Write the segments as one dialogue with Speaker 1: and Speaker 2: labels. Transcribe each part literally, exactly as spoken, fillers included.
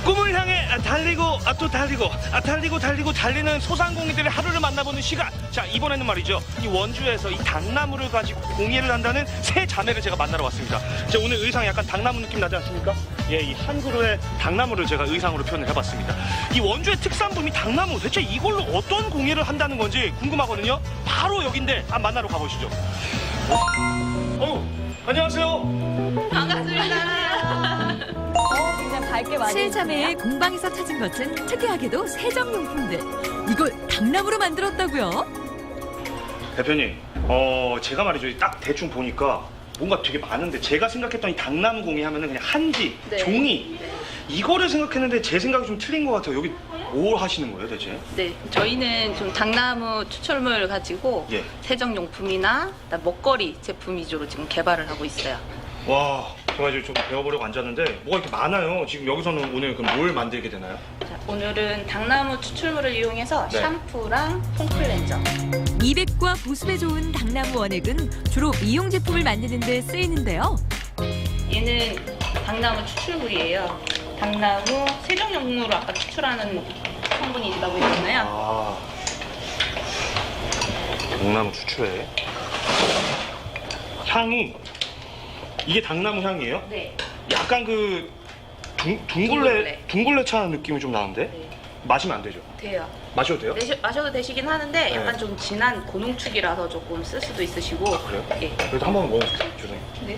Speaker 1: 꿈을 향해 달리고 아, 또 달리고 아, 달리고 달리고 달리는 소상공인들의 하루를 만나보는 시간. 자, 이번에는 말이죠, 이 원주에서 이 당나무를 가지고 공예를 한다는 세 자매를 제가 만나러 왔습니다. 제 오늘 의상 약간 당나무 느낌 나지 않습니까? 예, 이 한 그루의 당나무를 제가 의상으로 표현을 해봤습니다. 이 원주의 특산품이 당나무, 대체 이걸로 어떤 공예를 한다는 건지 궁금하거든요. 바로 여긴데 한번 만나러 가보시죠. 어, 안녕하세요.
Speaker 2: 반갑습니다.
Speaker 3: 어, 굉장히 밝게 많이
Speaker 2: 실자매의 공방에서 찾은 것은 특이하게도 세정용품들. 이걸 당나무로 만들었다고요?
Speaker 1: 대표님, 어 제가 말이죠, 딱 대충 보니까 뭔가 되게 많은데, 제가 생각했던 이 당나무 공예 하면은 그냥 한지,
Speaker 3: 네.
Speaker 1: 종이,
Speaker 3: 네.
Speaker 1: 이거를 생각했는데 제 생각이 좀 틀린 것 같아요. 여기 뭘 하시는 거예요, 대체?
Speaker 3: 네, 저희는 좀 당나무 추출물을 가지고
Speaker 1: 예.
Speaker 3: 세정용품이나 먹거리 제품 위주로 지금 개발을 하고 있어요.
Speaker 1: 와, 제가 이제 좀 배워보려고 앉았는데 뭐가 이렇게 많아요. 지금 여기서는 오늘 그럼 뭘 만들게 되나요?
Speaker 3: 자, 오늘은 당나무 추출물을 이용해서
Speaker 1: 네.
Speaker 3: 샴푸랑 폼클렌저.
Speaker 2: 미백과 보습에 좋은 당나무 원액은 주로 미용 제품을 만드는 데 쓰이는데요.
Speaker 3: 얘는 당나무 추출물이에요. 당나무 세정용으로 아까 추출하는 성분이 있다고 했잖아요.
Speaker 1: 아, 당나무 추출해. 향이, 이게 당나무 향이에요?
Speaker 3: 네.
Speaker 1: 약간 그 둥, 둥글레,
Speaker 3: 둥글레.
Speaker 1: 둥글레 차 느낌이 좀 나는데?
Speaker 3: 네.
Speaker 1: 마시면 안 되죠?
Speaker 3: 돼요.
Speaker 1: 마셔도 돼요?
Speaker 3: 내시, 마셔도 되시긴 하는데 약간
Speaker 1: 네.
Speaker 3: 좀 진한 고농축이라서 조금 쓸 수도 있으시고.
Speaker 1: 아, 그래요?
Speaker 3: 예.
Speaker 1: 그래도 한 번 먹어볼게요. 죄송해요.
Speaker 3: 네.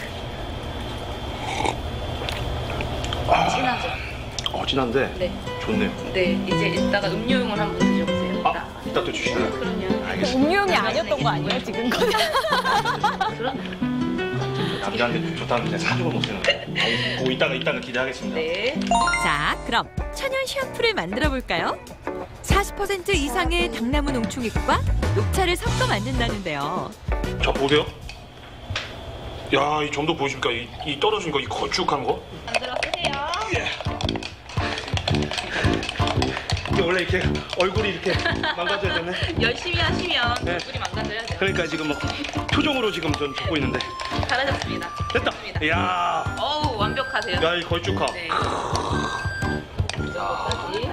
Speaker 1: 아,
Speaker 3: 진하죠?
Speaker 1: 어, 진한데
Speaker 3: 네.
Speaker 1: 좋네요.
Speaker 3: 네. 이제 이따가 음료용을 한번 드셔보세요.
Speaker 1: 아, 이따 또 주시나요?
Speaker 3: 그럼요.
Speaker 1: 알겠습니다.
Speaker 3: 음료용이 아니었던 거 아니에요, 지금 거? 그럼.
Speaker 1: 남자한테 좋다는 그냥 사주고 못 쓰는데. 어, 그 이따가 이따가 기대하겠습니다.
Speaker 3: 네.
Speaker 2: 자, 그럼 천연 샴푸를 만들어 볼까요? 사십 퍼센트 이상의 당나무 농축액과 녹차를 섞어 만든다는데요.
Speaker 1: 자, 보세요. 야, 이 점도 보이십니까? 이, 이 떨어진 거, 이 걸쭉한 거.
Speaker 3: 만들어 쓰세요.
Speaker 1: 이게 원래 이렇게 얼굴이 이렇게 망가져야 되네.
Speaker 3: 열심히 하시면
Speaker 1: 네.
Speaker 3: 얼굴이 망가져야죠.
Speaker 1: 그러니까 지금 뭐 표정으로 지금 전 적고 있는데.
Speaker 3: 잘하셨습니다.
Speaker 1: 됐다.
Speaker 3: 좋습니다.
Speaker 1: 이야,
Speaker 3: 어우, 완벽하세요.
Speaker 1: 야, 이 걸쭉함.
Speaker 3: 네. 이 정도까지.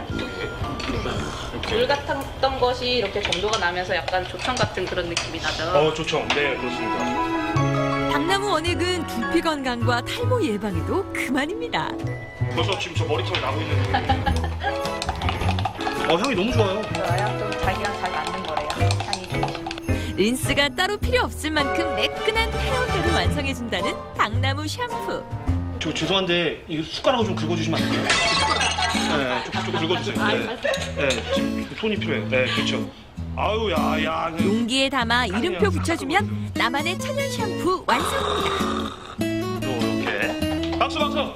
Speaker 3: 물 같았던 것이 이렇게 점도가 나면서 약간 조청 같은 그런 느낌이 나죠.
Speaker 1: 어, 좋죠. 네, 그렇습니다.
Speaker 2: 당나무 원액은 두피 건강과 탈모 예방에도 그만입니다.
Speaker 1: 벌써 지금 저 머리털 나고 있는데. 어, 향이 너무 좋아요.
Speaker 3: 좋아요. 좀 자기랑 잘 맞는 거래요. 향이 좋으시고.
Speaker 2: 린스가 따로 필요 없을 만큼 매끈한 헤어결을 완성해준다는 당나무 샴푸.
Speaker 1: 저 죄송한데 이 숟가락을 좀 긁어주시면 안 될까요? 네, 좀, 좀 긁어주세요. 네, 네, 지금 손이 필요해요. 네, 그렇죠. 아유, 야, 야. 그-
Speaker 2: 용기에 담아 이름표 붙여주면 나만의 천연 샴푸 완성입니다.
Speaker 1: 이렇게. 박수, 박수.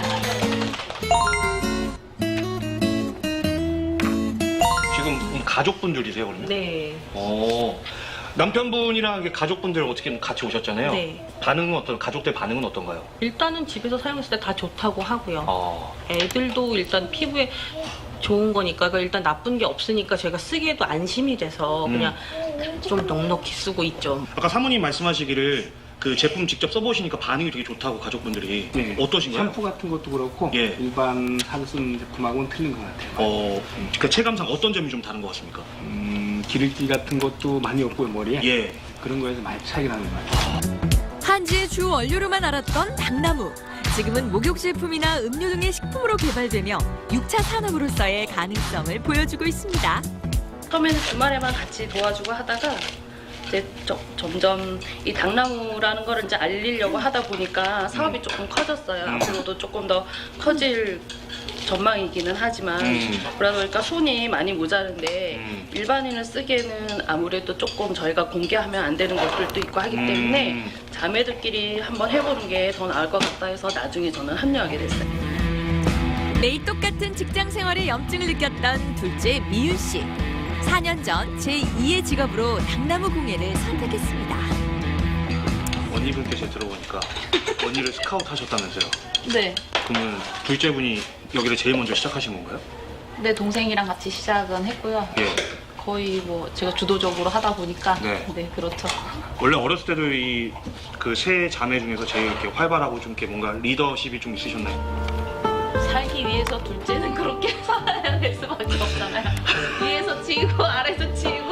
Speaker 1: 지금 가족분들이세요, 그러면?
Speaker 3: 네.
Speaker 1: 어. 남편분이랑 이렇게 가족분들 어떻게 같이 오셨잖아요.
Speaker 4: 네.
Speaker 1: 반응은 어떤, 가족들 반응은 어떤가요?
Speaker 4: 일단은 집에서 사용했을 때 다 좋다고 하고요.
Speaker 1: 어.
Speaker 4: 애들도 일단 피부에 좋은 거니까 그 일단 나쁜 게 없으니까 제가 쓰기에도 안심이 돼서
Speaker 1: 음.
Speaker 4: 그냥 좀 넉넉히 쓰고 있죠.
Speaker 1: 아까 사모님 말씀하시기를 그 제품 직접 써보시니까 반응이 되게 좋다고 가족분들이.
Speaker 5: 네.
Speaker 1: 어떠신가요?
Speaker 5: 샴푸 같은 것도 그렇고
Speaker 1: 예.
Speaker 5: 일반 하루 쓰는 제품하고는 틀린 것 같아요.
Speaker 1: 어, 그 체감상 어떤 점이 좀 다른 것 같습니까?
Speaker 5: 음, 기름기 같은 것도 많이 없고요, 머리에.
Speaker 1: 예.
Speaker 5: 그런 거에서 많이 차이가 나는 것 같아요.
Speaker 2: 한지의 주 원료로만 알았던 당나무. 지금은 목욕제품이나 음료 등의 식품으로 개발되며 육 차 산업으로서의 가능성을 보여주고 있습니다.
Speaker 3: 처음에는 주말에만 같이 도와주고 하다가 이제 저- 점점 이 당나무라는 거를 이제 알리려고 하다 보니까 사업이 조금 커졌어요.
Speaker 1: 음.
Speaker 3: 앞으로도 조금 더 커질 전망이기는 하지만
Speaker 1: 음.
Speaker 3: 그러다 보니까 손이 많이 모자른데
Speaker 1: 음.
Speaker 3: 일반인을 쓰기에는 아무래도 조금 저희가 공개하면 안 되는 것들도 있고 하기 때문에
Speaker 1: 음.
Speaker 3: 자매들끼리 한번 해보는 게 더 나을 것 같다 해서 나중에 저는 합류하게 됐어요.
Speaker 2: 매일 똑같은 직장 생활에 염증을 느꼈던 둘째 미윤 씨. 사 년 전 제이의 직업으로 당나무 공예를 선택했습니다.
Speaker 1: 언니분께서 들어보니까 언니를 스카우트 하셨다면서요.
Speaker 3: 네.
Speaker 1: 그러면 둘째 분이 여기를 제일 먼저 시작하신 건가요?
Speaker 3: 내 동생이랑 같이 시작은 했고요.
Speaker 1: 예.
Speaker 3: 거의 뭐 제가 주도적으로 하다 보니까
Speaker 1: 네.
Speaker 3: 네, 그렇죠.
Speaker 1: 원래 어렸을 때도 이 그 세 자매 중에서 제일 이렇게 활발하고 좀 이렇게 뭔가 리더십이 좀 있으셨나요?
Speaker 3: 살기 위해
Speaker 4: 위에서 둘째는 그렇게 살아야 될 수밖에 없잖아요. 위에서 치고 아래서 치고.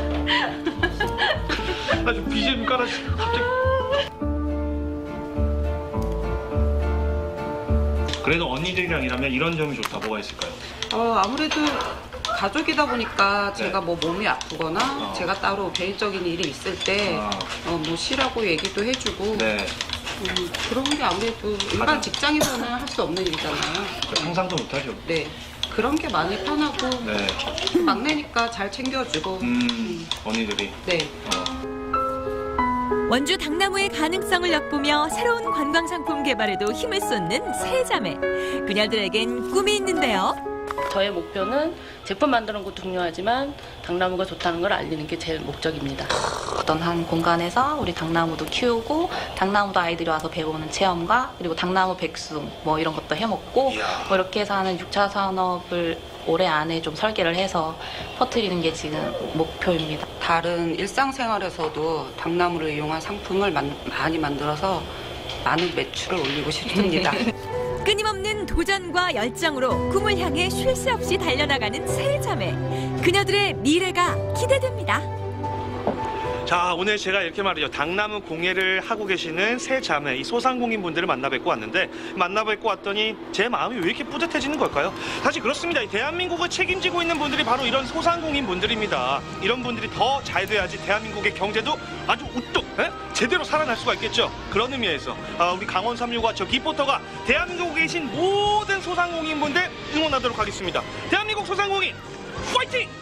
Speaker 1: 아주 비지엠 깔아주시고 갑자기. 그래도 언니들이랑 일하면 이런 점이 좋다. 뭐가 있을까요?
Speaker 6: 어, 아무래도 가족이다 보니까 제가
Speaker 1: 네.
Speaker 6: 뭐 몸이 아프거나
Speaker 1: 어.
Speaker 6: 제가 따로 개인적인 일이 있을 때
Speaker 1: 아.
Speaker 6: 어, 뭐 쉬라고 얘기도 해주고
Speaker 1: 네.
Speaker 6: 음, 그런 게 아무래도 일반
Speaker 1: 가장-
Speaker 6: 직장에서는 할 수 없는 일이잖아요.
Speaker 1: 상상도 못하죠.
Speaker 6: 네. 그런 게 많이 편하고
Speaker 1: 네.
Speaker 6: 막내니까 잘 챙겨주고
Speaker 1: 음, 언니들이.
Speaker 6: 네.
Speaker 1: 어.
Speaker 2: 원주 당나무의 가능성을 엿보며 새로운 관광 상품 개발에도 힘을 쏟는 세 자매. 그녀들에겐 꿈이 있는데요.
Speaker 3: 저의 목표는 제품 만드는 것도 중요하지만 당나무가 좋다는 걸 알리는 게 제 목적입니다.
Speaker 7: 어떤 한 공간에서 우리 당나무도 키우고 당나무도 아이들이 와서 배우는 체험과 그리고 당나무 백숙 뭐 이런 것도 해먹고
Speaker 1: 이야.
Speaker 7: 뭐 이렇게 해서 하는 육 차 산업을 올해 안에 좀 설계를 해서 퍼뜨리는 게 지금 목표입니다.
Speaker 6: 다른 일상생활에서도 당나무를 이용한 상품을 만- 많이 만들어서 많은 매출을 올리고 싶습니다.
Speaker 2: 끊임없는 도전과 열정으로 꿈을 향해 쉴 새 없이 달려나가는 세 자매. 그녀들의 미래가 기대됩니다.
Speaker 1: 자, 오늘 제가 이렇게 말이죠. 당나무 공예를 하고 계시는 세 자매, 이 소상공인 분들을 만나 뵙고 왔는데, 만나 뵙고 왔더니 제 마음이 왜 이렇게 뿌듯해지는 걸까요? 사실 그렇습니다. 이 대한민국을 책임지고 있는 분들이 바로 이런 소상공인 분들입니다. 이런 분들이 더 잘 돼야지 대한민국의 경제도 아주 우뚝, 에? 제대로 살아날 수가 있겠죠. 그런 의미에서 아, 우리 강원 삼육과 저 기포터가 대한민국에 계신 모든 소상공인 분들 응원하도록 하겠습니다. 대한민국 소상공인 파이팅!